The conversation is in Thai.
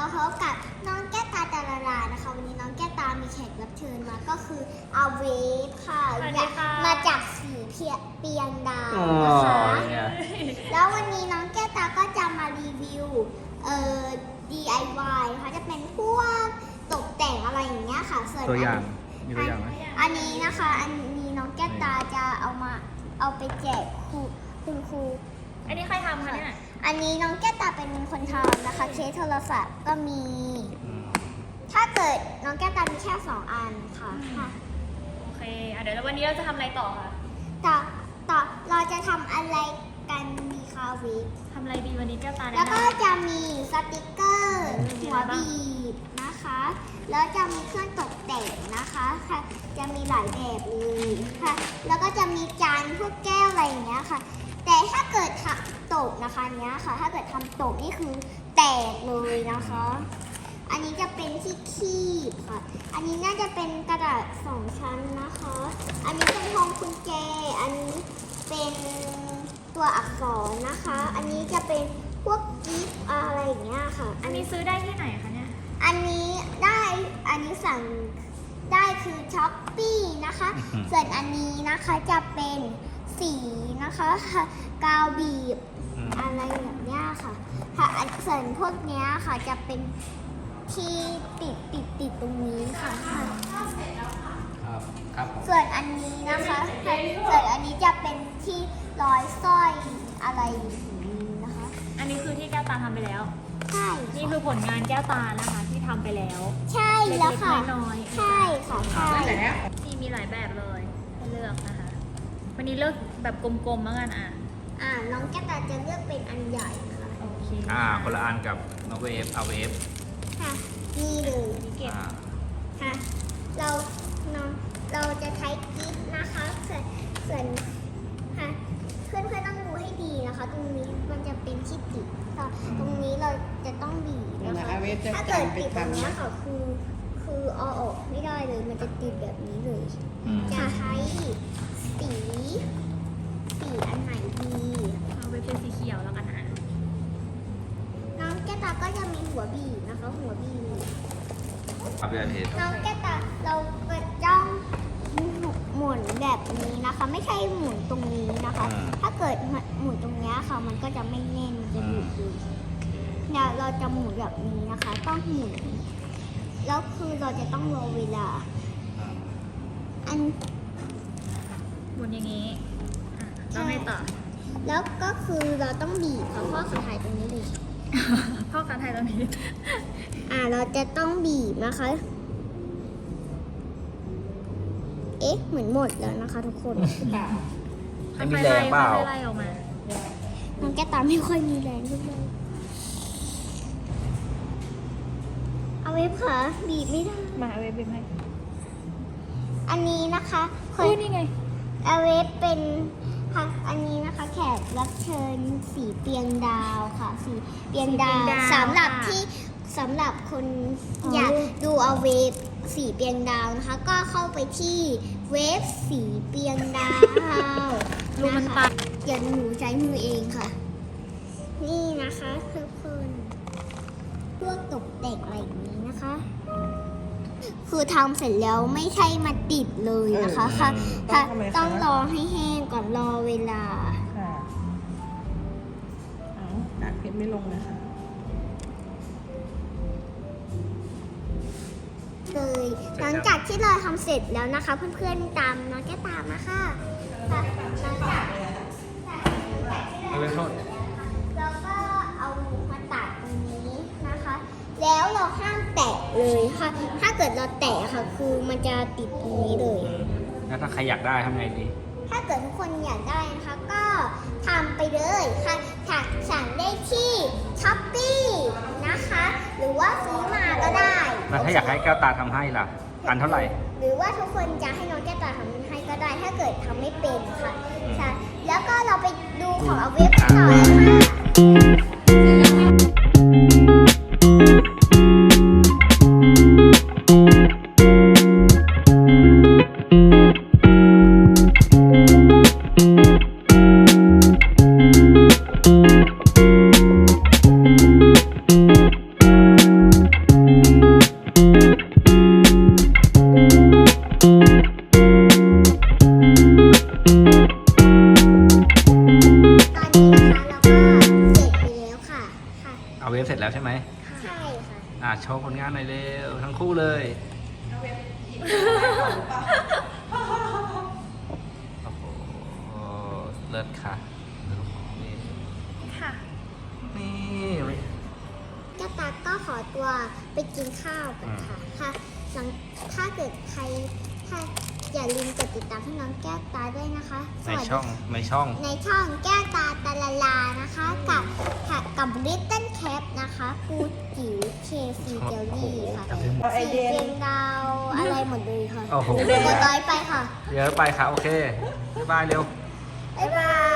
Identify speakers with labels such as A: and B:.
A: มาพบกับน้องแก้วตาดารานะคะวันนี้น้องแก้วตามีแขกรับเชิญมาก็คืออาเวฟค่ะ
B: สวัสดีค่ะ
A: มาจากสีเปียงดาวนะคะแล้ววันนี้น้องแก้วตาก็จะมารีวิวDIY ค่ะจะเป็นพวกตกแต่งอะไรอย่างเงี้ยค่ะส่วน
C: ตัวอย่างมีตัวอย่างไหม
A: อันนี้นะคะอันนี้น้องแก้วตาจะเอาไปแจกคุณครู
B: อันนี้ใครทำคะเนี่ย
A: อันนี้น้องแก้วตาเป็นคนทำนะคะเคสโทรศัพท์ก็มี ถ้าเกิดน้องแก้วตามีแค่2 อันค่ะ
B: โอเคเดี๋ยววันนี้เราจะทำอะไรต่อคะ
A: ต่อเราจะทำอะไรกันดีคะวิก
B: ทำอะไรดีวันนี้แก้วตา
A: แล้วก็
B: แนะน
A: จะมีสติกเกอร์
B: มี
A: หั
B: อะไร
A: ว
B: บ้าง
A: บีบนะคะ แล้วจะมีเครื่องตกแต่งนะคะค่ะจะมีหลายแบบเลยค่ะ แล้วก็จะมีจานพวกแก้วอะไรอย่างเงี้ยค่ะ แต่ถ้าเกิดทำตกนะคะเนี้ยค่ะ ถ้าเกิดทำตกนี่คือแตกเลยนะคะ อันนี้จะเป็นที่คีบค่ะ อันนี้น่าจะเป็นกระดาษ2 ชั้นนะคะ อันนี้เป็นพวงกุญแจ อันนี้เป็นตัวอักษรนะคะ อันนี้จะเป็นพวกกิฟต์อะไรอย่างเงี้ยค่ะ
B: ำอันนี้ซื้อได้ที่ไหนคะเนี่ย
A: อันนี้สั่งได้คือช้อปปี้นะคะ ส่วนอันนี้นะคะจะเป็นสีนะคะกาวบีบอะไรแบบเนี้ยค่ะค่ะส่วนพวกเนี้ยค่ะจะเป็นที่ติดตรงนี้ค่ะ
C: ครับผม
A: ส่วนอันนี้นะคะส่วนอันนี้จะเป็นที่ร้อยสร้อยอะไรอย่างนี้นะคะ
B: อันนี้คือที่แก้วตาทำไปแล้ว
A: ใช่
B: นี่คือผลงานแก้วตานะคะที่ทำไปแล้ว
A: ใช่แล้วค่ะ
B: เล็กๆน้อยๆ
A: ใช่ค่ะใช่
B: นี่มีหลายแบบเลยให้เลือกนะคะ วันนี้เลือกแบบกลมๆแล้วกัน
A: น้องแก้วตาจะเลือกเป็นอันใหญ่นะคะ
B: โอเค
C: คนละอันกับน้องเวฟเอาเวฟ
A: ค่ะนี่เลย
B: นี่เก็บ
A: ค่ะเราจะใช้กิ๊บนะคะส่วนค่ะเพื่อนๆต้องดูให้ดีนะคะ ตรงนี้มันจะเป็นที่ติดตรงนี้เราจะต้องบีบนะคะ ถ้าเกิดติดตรงเนี้ยค่ะคือเอาออกไม่ได้เลยมันจะติดแบบนี้เลย จะใช้สีอันไหนดี
B: เอาไปเป็นสีเขียวแล้วกันนะ
A: น้องแก้วตาก็จะมีหัวบีบนะคะ หัวบีบ
C: เอาไปอันเทส
A: น้องแก้วตาเราก็จ้องหมุนแบบนี้นะคะ ไม่ใช่หมุนตรงนี้นะคะ ถ้าเกิดหมุนตรงนี้ค่ะ มันก็จะไม่แน่นมันจะหลุดเลยเนี่ยเราจะหมุนแบบนี้นะคะ ต้องหมุนแล้วคือเราจะต้องรอเวลา อัน
B: หมุนอย่างนี้แล้วไงต่อ
A: แล้วก็คือเราต้องบีบค่ะเพราะสุดท้ายตรงนี้เลย
B: พ่อการไทยตอนนี้
A: เราจะต้องบีบนะคะ เอ๊ะ เหมือนหมดแล้วนะคะทุกคน
C: ไม่มีแรงเปล่า
B: ค่อยๆไล่ออกมา
A: น้องแก้วตาไม่ค่อยมีแรงทุกคนเอาไว้ค่ะบีบไม่ได้
B: มาเอาไว้เป็นให้
A: อันนี้นะคะเค
B: อุ้
A: ย
B: ยนี่ไง
A: เอาไว้เป็นค่ะอันนี้นะคะ แขกรับเชิญสีเปียงดาวค่ะ สีเปียงดาวสำหรับคนอยากดูเอาเวฟสีเปียงดาวนะคะ ก็เข้าไปที่เวฟสีเปียงดาว
B: รูมัน
A: นะคะ
B: ตัด
A: เดี๋ยวหนูใช้มือเองค่ะ นี่นะคะทุกคนพวกตกแต่งอะไรอย่างนี้นะคะ คือทำเสร็จแล้วไม่ใช่มาติดเลยนะคะค่ะค่ะต้องรอให้แห้งก่อนรอเวลา
D: ค่ะเอากากเพชรไม่ลงนะคะ
A: เลยหลังจากที่เราทำเสร็จแล้วนะคะ เพื่อนๆตามน้องแก้วตามมาค่ะค่ะหลังจากที่
C: เอาไปโทษ
A: เราก็เอามาตัดตรงนี้นะคะ แล้วเราห้ามแตะเลยค่ะ ถ้าเกิดเราแตะค่ะ คือมันจะติดตรงนี้เลย
C: แล้วถ้าใครอยากได้ทำไงดี
A: ถ้าเกิดทุกคนอยากได้นะคะ ก็ทำไปเลยค่ะสั่งได้ที่ช้อปปี้นะคะ หรือว่าซื้อมาก็ได้
C: แล้วถ้าอยากให้แก้วตาทำให้ล่ะ อันเท่าไหร่
A: หรือว่าทุกคนจะให้น้องแก้วตาทำให้ก็ได้ ถ้าเกิดทำไม่เป็นค่ะใช่แล้วก็เราไปดูของเอาเว็บกันต่อนะคะ
C: เอาเวฟเสร็จแล้วใช่ไหม
A: ใช่ค่ะ
C: โชว์ผลงานหน่อยเร็วทั้งคู่เลย โอ้โห เลิศค่ะนี่
B: ค่ะ
C: นี่
A: แก้วตาก็ขอตัวไปกินข้าวกันค่ะค่ะถ้าเกิดใครถ้าอย่าลืมกดติดตามให้น้องแก้วตาด้วยนะคะส
C: ใน
A: วัสดี
C: ช่อง
A: ในช่องแก้วตาตาลาลานะคะกับลิตเติ้ลแคปนะคะปูจิ๋วเคฟีเจลลี่ค่ะ
C: โอ้โหจำได้หมด
A: สีเรียงดาวอะไรหมดเลยค่ะ
C: โอ้โห
A: กดร้อยไปค่ะ
C: เยอะไปค่ะ โอเค บ๊ายบายเร็ว
A: บ๊ายบาย